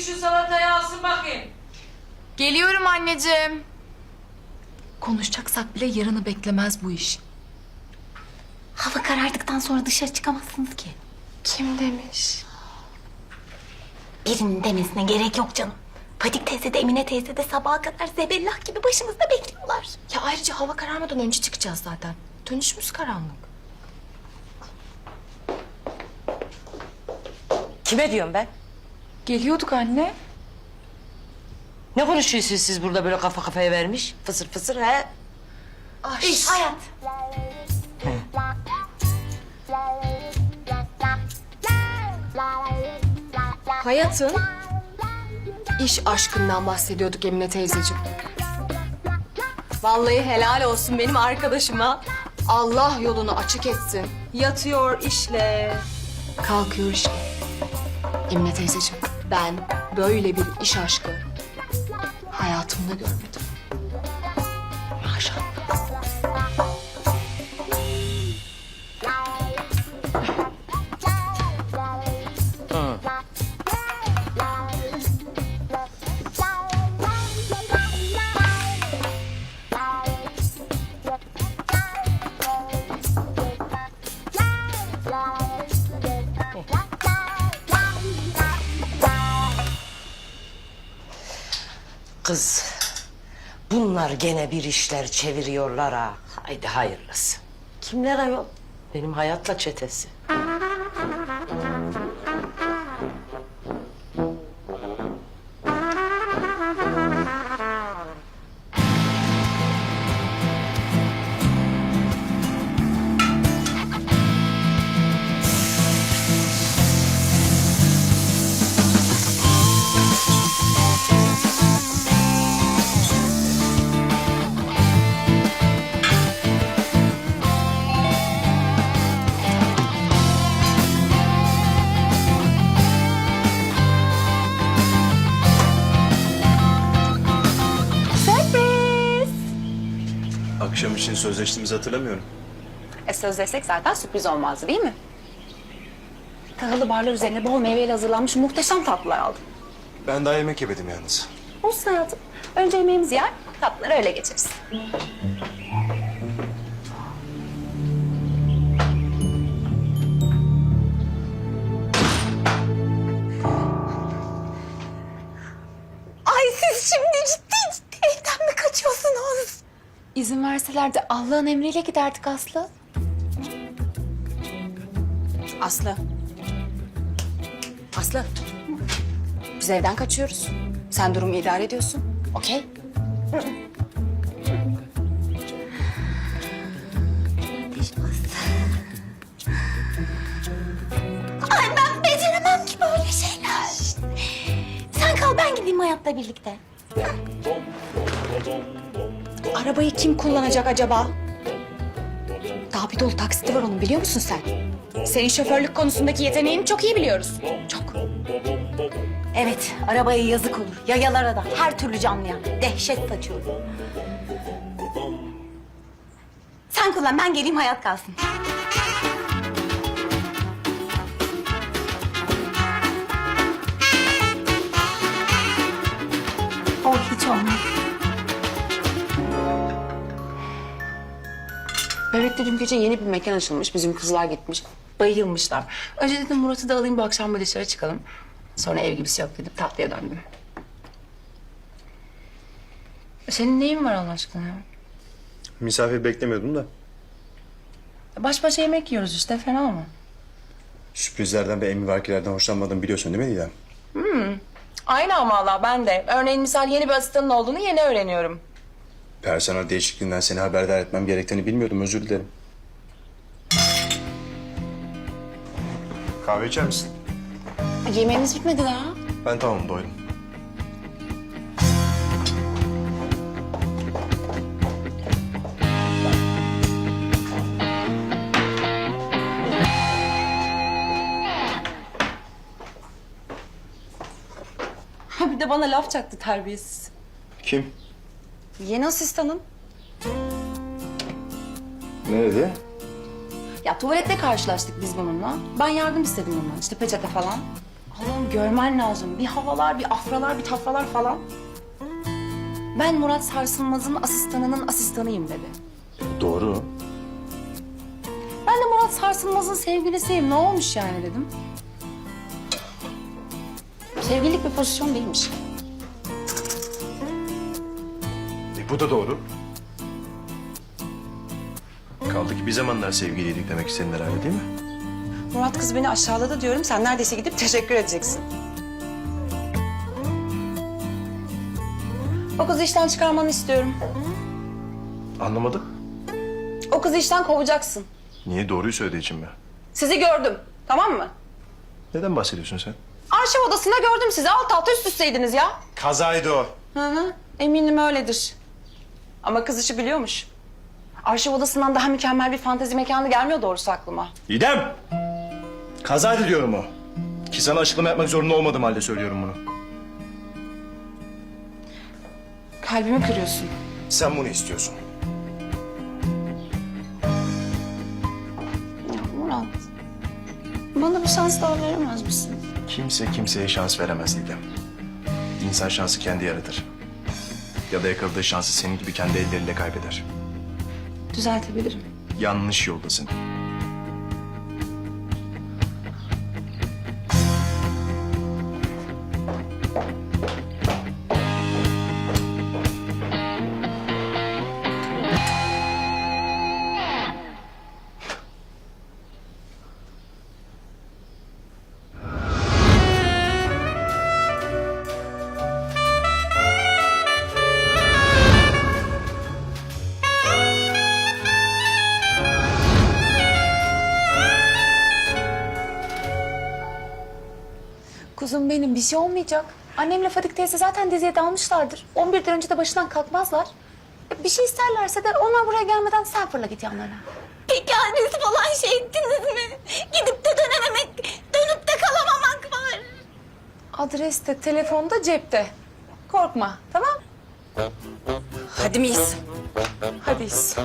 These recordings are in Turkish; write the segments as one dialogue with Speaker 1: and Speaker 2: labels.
Speaker 1: şu salatayı alsın bakayım.
Speaker 2: Geliyorum anneciğim. Konuşacaksak bile yarını beklemez bu iş.
Speaker 3: Hava karardıktan sonra dışarı çıkamazsınız ki.
Speaker 2: Kim demiş?
Speaker 3: Birinin demesine gerek yok canım. Fadik teyze de Emine teyze de sabaha kadar zebellah gibi başımızda bekliyorlar.
Speaker 2: Ya ayrıca hava kararmadan önce çıkacağız zaten. Dönüşümüz karanlık.
Speaker 4: Kime diyorum ben?
Speaker 2: Geliyorduk anne.
Speaker 4: Ne konuşuyorsunuz siz burada böyle kafa kafaya vermiş? Fısır fısır he?
Speaker 3: İş, hayat.
Speaker 2: Hayatın iş aşkından bahsediyorduk Emine teyzeciğim. Vallahi helal olsun benim arkadaşıma. Allah yolunu açık etsin. Yatıyor işle. Kalkıyor işle. Emine teyzeciğim ben böyle bir iş aşkı hayatımda görmedim. Maşallah.
Speaker 4: Kız, bunlar gene bir işler çeviriyorlar ha. Haydi hayırlısı. Kimler ayol? Benim hayatla çetesi.
Speaker 5: Akşam için sözleştiğimizi hatırlamıyorum.
Speaker 6: Sözleşsek zaten sürpriz olmazdı değil mi? Tahıllı barlar üzerine bol meyveyle hazırlanmış muhteşem tatlılar aldım.
Speaker 5: Ben daha yemek yemedim yalnız.
Speaker 6: Olsun hayatım. Önce yemeğimizi yer, tatlıları öyle geçeriz.
Speaker 3: Ay siz şimdi ciddi evden mi kaçıyorsunuz?
Speaker 2: İzin verseler de Allah'ın emriyle giderdik Aslı.
Speaker 6: Aslı. Aslı. Biz evden kaçıyoruz. Sen durumu idare ediyorsun. Okey?
Speaker 3: Ay ben beceremem ki böyle şeyler. Sen kal ben gideyim hayatla birlikte.
Speaker 6: Arabayı kim kullanacak acaba? Daha bir dolu taksiti var onun biliyor musun sen? Senin şoförlük konusundaki yeteneğini çok iyi biliyoruz. Çok.
Speaker 3: Evet arabaya yazık olur. Yayalara da her türlü canlıya dehşet saçıyor. Sen kullan ben geleyim hayat kalsın. O hiç olmaz.
Speaker 6: Bebekte dün gece yeni bir mekan açılmış. Bizim kızlar gitmiş. Bayılmışlar. Önce dedim Murat'ı da alayım bu akşam bir dışarı çıkalım. Sonra ev gibisi yok dedim. Tatlıya döndüm. Senin neyin var Allah aşkına ya?
Speaker 5: Misafir beklemiyordum da.
Speaker 6: Baş başa yemek yiyoruz işte. Fena mı?
Speaker 5: Sürprizlerden ve emrivakilerden hoşlanmadığımı biliyorsun değil mi Didem?
Speaker 6: Aynı ama valla ben de. Örneğin misal yeni bir asistanın olduğunu yeni öğreniyorum.
Speaker 5: Personel değişikliğinden seni haberdar etmem gerektiğini bilmiyordum. Özür dilerim. Kahve içer misin?
Speaker 6: Yemeğimiz bitmedi daha.
Speaker 5: Ben tamam doydum.
Speaker 6: Ha bir de bana laf çaktı terbiyesiz.
Speaker 5: Kim?
Speaker 6: Yeni asistanın.
Speaker 5: Nerede?
Speaker 6: Ya tuvalette karşılaştık biz bununla. Ben yardım istedim ondan. İşte peçete falan. Allah'ım görmen lazım. Bir havalar, bir afralar, bir tafralar falan. Ben Murat Sarsılmaz'ın asistanının asistanıyım dedi.
Speaker 5: Doğru.
Speaker 6: Ben de Murat Sarsılmaz'ın sevgilisiyim. Ne olmuş yani dedim. Sevgililik bir pozisyon değilmiş.
Speaker 5: Bu da doğru. Kaldı ki bir zamanlar sevgiliydik demek istedin herhalde değil mi?
Speaker 7: Murat kız beni aşağıladı diyorum. Sen neredeyse gidip teşekkür edeceksin.
Speaker 6: O kızı işten çıkarmanı istiyorum.
Speaker 5: Anlamadım.
Speaker 6: O kızı işten kovacaksın.
Speaker 5: Niye? Doğruyu söylediği için mi?
Speaker 6: Sizi gördüm. Tamam mı?
Speaker 5: Neden bahsediyorsun sen?
Speaker 6: Arşiv odasında gördüm sizi. Alt alta üst üsteydiniz ya.
Speaker 5: Kazaydı o.
Speaker 6: Hı hı. Eminim öyledir. Ama kız işi biliyormuş. Arşiv odasından daha mükemmel bir fantezi mekanı gelmiyor doğrusu aklıma.
Speaker 5: İdem! Kazaydı diyorum o. Ki sana açıklama yapmak zorunda olmadığım halde söylüyorum bunu.
Speaker 6: Kalbimi kırıyorsun.
Speaker 5: Sen bunu istiyorsun.
Speaker 6: Ya Murat, bana bir şans daha veremez misin?
Speaker 5: Kimse kimseye şans veremez İdem. İnsan şansı kendi yaratır. Ya da yakaladığı şansı senin gibi kendi elleriyle kaybeder.
Speaker 6: Düzeltebilirim.
Speaker 5: Yanlış yoldasın.
Speaker 6: Kuzum benim bir şey olmayacak. Annemle Fadik teyze zaten diziye dalmışlardır. 11'den önce de başından kalkmazlar. Bir şey isterlerse de onlar buraya gelmeden sen fırla git yanlarına.
Speaker 3: Peki adres falan şey ettiniz mi? Gidip de dönememek, dönüp de kalamamak var.
Speaker 6: Adres de telefonda cepte. Korkma tamam?
Speaker 7: Hadi miyiz?
Speaker 6: Hadi iyiyiz.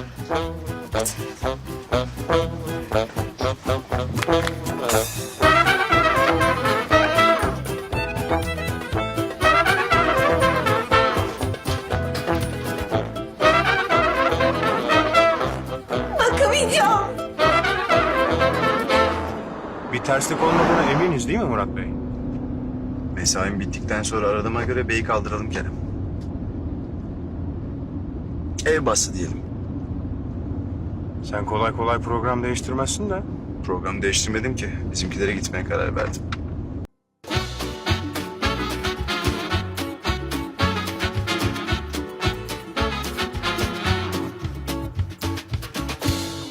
Speaker 3: Bakamayacağım.
Speaker 5: Bir terslik olmadığına eminiz değil mi Murat Bey? Mesaim bittikten sonra aradığıma göre beyi kaldıralım Kerem. Ev bastı diyelim.
Speaker 8: Sen kolay kolay program değiştirmezsin de.
Speaker 5: Programı değiştirmedim ki. Bizimkilere gitmeye karar verdim.